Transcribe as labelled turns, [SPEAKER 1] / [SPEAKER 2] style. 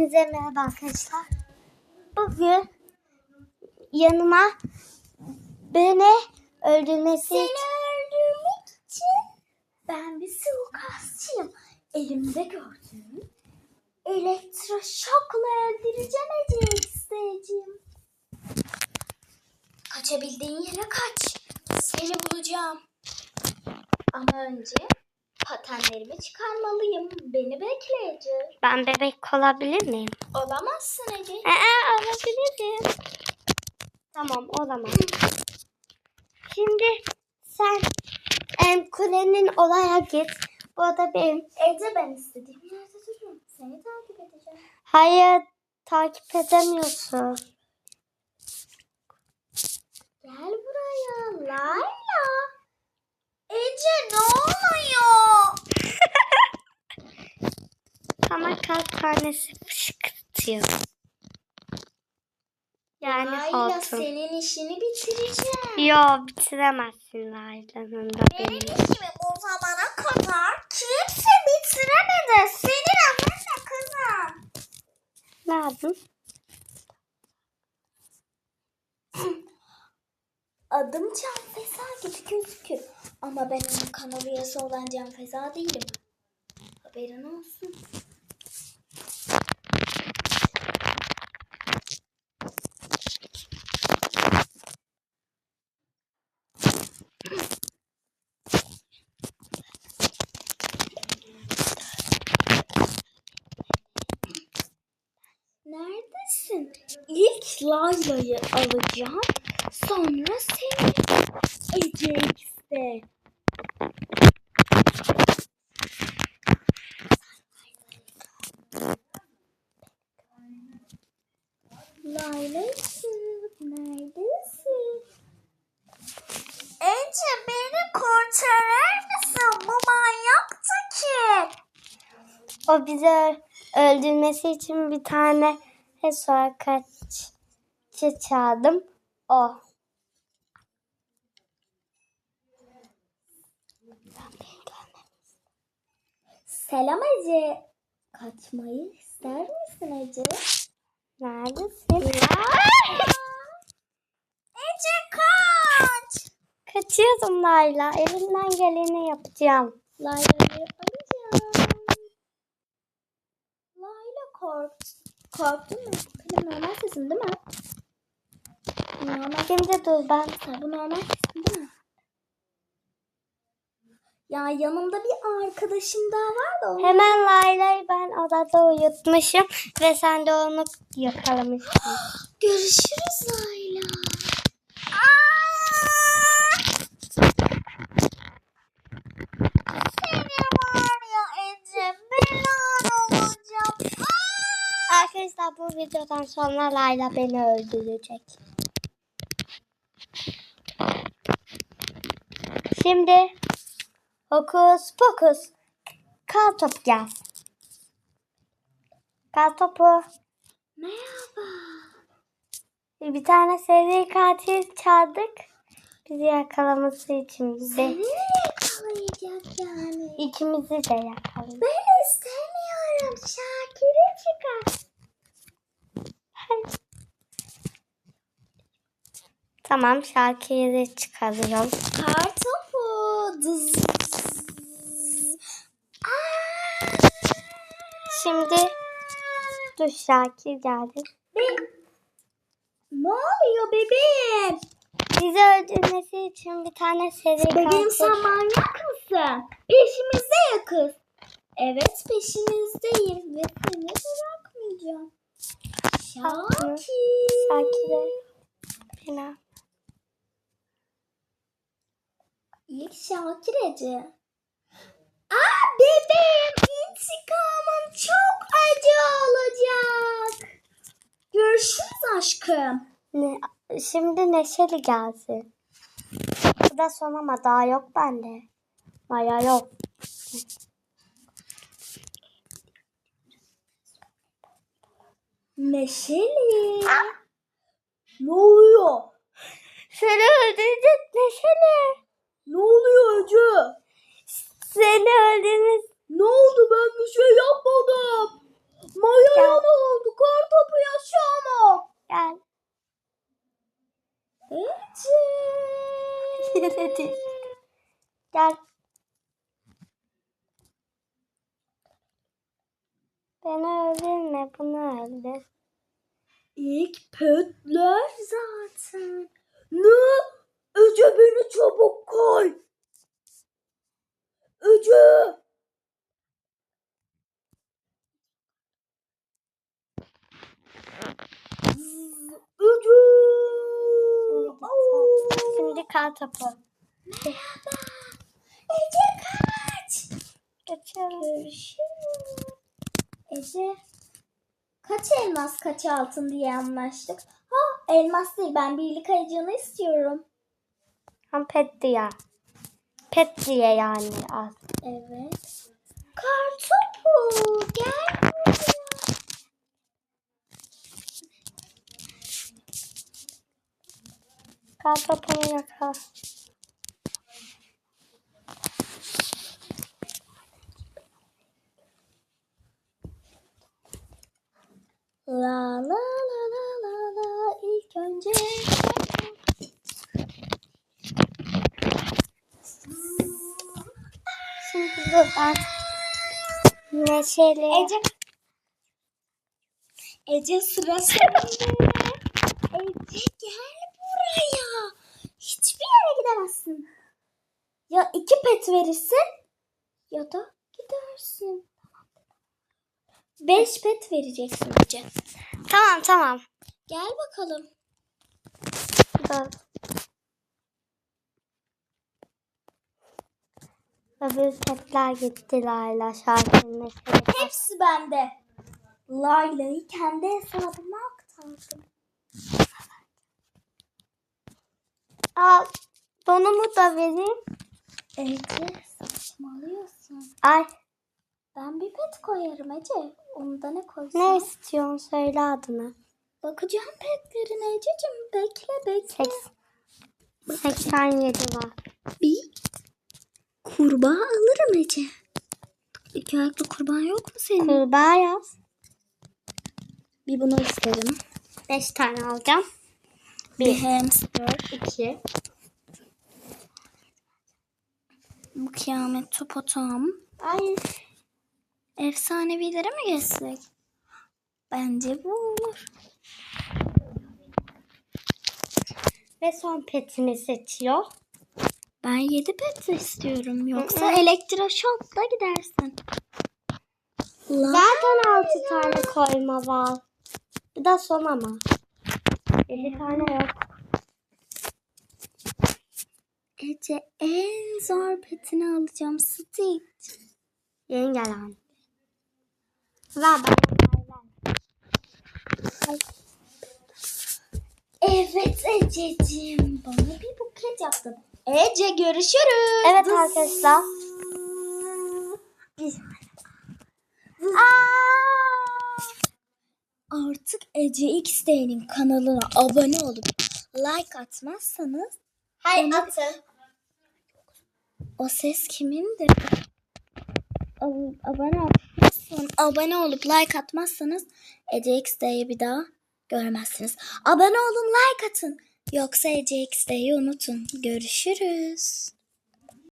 [SPEAKER 1] Hepinize merhaba arkadaşlar. Bugün yanıma beni öldürmesi için ben bir suikastçıyım. Elimde gördüğüm elektroşokla öldüreceğim Ece'yi. Kaçabildiğin yere kaç. Seni bulacağım. Ama önce patenlerimi çıkarmalıyım. Beni bekleyecek. Ben bebek olabilir miyim? Olamazsın Ece. Olabilirim. Tamam, olamam. Şimdi sen kulenin olaya git. Bu da benim. Ece, ben istediğim yerde dururum. Seni takip edeceğim. Hayır, takip edemiyorsun. Gel buraya Layla. Ece, ne oluyor? Ama kalp tanesi fışkırtıyor. Yani Layla, hortum. Senin işini bitireceğim. Yo, bitiremezsin Layla'nın da benim işimi bu zamana kadar kimse bitiremedi. Senin annemle kızım. Ne yaptın? Adım Can Feza gibi gözükür. Ama ben onun kanal üyesi olan Can Feza değilim. Haberin olsun. Neredesin? İlk Layla'yı alacağım. Sonra seni. Ece X'de. Layla'cığım, neredesin? Ece, beni kurtarır mısın? Bu manyaktı ki. O bizi öldürmesi için bir tane kaççı çağırdım. O. Selam Ece. Kaçmayı ister misin Ece? Neredesin? Ece, kaç. Kaçıyorum Layla. Elimden geleni yapacağım. Layla'yı alacağım. Layla korktun mu? Benim normal sesim değil mi? Normal. Şimdi dur ben. Bu normal sesim değil mi? Ya yanımda bir arkadaşım daha var da. Hemen Layla'yı ben odada uyutmuşum ve sen de onu yakalamışsın. Görüşürüz Layla. Seni var ya Ece, belan olacağım. Arkadaşlar, bu videodan sonra Layla beni öldürecek. Şimdi hokus pokus. Kar topu gel. Kar topu. Merhaba. Bir tane seri katil çağırdık. Bizi yakalaması için. Seni yakalayacak yani. İkimizi de yakalayacak. Ben istemiyorum. Şakir'e çıkar. Tamam, Şakir'i çıkarıyorum. Kar topu. Şimdi dur, Şakir geldi. Ne oluyor bebeğim? Bizi öldürmesi için bir tane seri katil. Bebeğim, sen manyak mısın? Peşimizde ya kız. Evet, peşimizdeyim ve seni bırakmayacağım. Şakir. Şakir'e fena. İlk Şakir Ece. Bebeğim, intikamım çok acı olacak. Görüşürüz aşkım. Şimdi Neşeli gelsin. Bu da son ama daha yok bende. Maya yok. Neşeli. Ne oluyor? Seni öldürecek Neşeli. Ne oluyor Ece? Seni öldürmüş. Ne oldu? Ben bir şey yapmadım. Maya'ya ne oldu? öldürme, bunu öldür.
[SPEAKER 2] İlk petler zaten. Ne? Ece beni çabuk koy. Ece. Ece.
[SPEAKER 1] Şimdi kar topu.
[SPEAKER 2] Merhaba. Ece kaç.
[SPEAKER 1] Geçiyorum.
[SPEAKER 2] Görüşürüz. Ece. Kaç elmas kaç altın diye anlaştık. Ha elmas değil, ben birlik ayıcığını istiyorum.
[SPEAKER 1] Hem pet diye. Pet diye yani az.
[SPEAKER 2] Evet. Kartopu gel buraya.
[SPEAKER 1] Kar topunu yakala.
[SPEAKER 2] La la la la la la ilk önce.
[SPEAKER 1] Şimdi dur ben neşeli.
[SPEAKER 2] Ece sıra sende. Ece gel buraya. Hiçbir yere gidemezsin. Ya 2 pet verirsin ya da gidersin. 5 pet vereceksin Ece.
[SPEAKER 1] Tamam.
[SPEAKER 2] Gel bakalım.
[SPEAKER 1] Dur. Öbür petler gitti Layla şarkının neşeli.
[SPEAKER 2] Hepsi bende. Layla'yı kendi hesabıma aktardım.
[SPEAKER 1] Al. Donumu da vereyim.
[SPEAKER 2] Ece saçmalıyorsun.
[SPEAKER 1] Ay.
[SPEAKER 2] Ben bir pet koyarım Ece. Onu da ne koysam?
[SPEAKER 1] Ne istiyorsun söyle adını.
[SPEAKER 2] Bakacağım petlerine Ececiğim. Bekle.
[SPEAKER 1] 87 var.
[SPEAKER 2] Bir kurbağa alırım Ece. İki ayaklı kurbağa yok mu senin?
[SPEAKER 1] Kurbağa yaz.
[SPEAKER 2] Bir bunu isterim.
[SPEAKER 1] 5 tane alacağım.
[SPEAKER 2] Bir hamster.
[SPEAKER 1] 2.
[SPEAKER 2] Bu kıyamet topotam.
[SPEAKER 1] Ay.
[SPEAKER 2] Efsanevilere mi geçsek? Bence bu olur.
[SPEAKER 1] Ve son petimi seçiyor.
[SPEAKER 2] Ben 7 pet istiyorum. Yoksa elektroşokla gidersin.
[SPEAKER 1] Zaten 6 tane koyma var. Bu da son ama. 7 tane yok.
[SPEAKER 2] Ece en zor petini alacağım. Stitch.
[SPEAKER 1] Yeni gelen. Ver bana. Ay.
[SPEAKER 2] Evet Ececiğim. Bana bir buket yaptın. Ece görüşürüz.
[SPEAKER 1] Evet arkadaşlar.
[SPEAKER 2] Artık Ece XD'nin kanalına abone olup like atmazsanız
[SPEAKER 1] Hayır atın.
[SPEAKER 2] o ses kimindir? Abone olup like atmazsanız Ece XD'yi bir daha görmezsiniz. Abone olun, like atın. Yoksa Ece XD'yi unutun. Görüşürüz.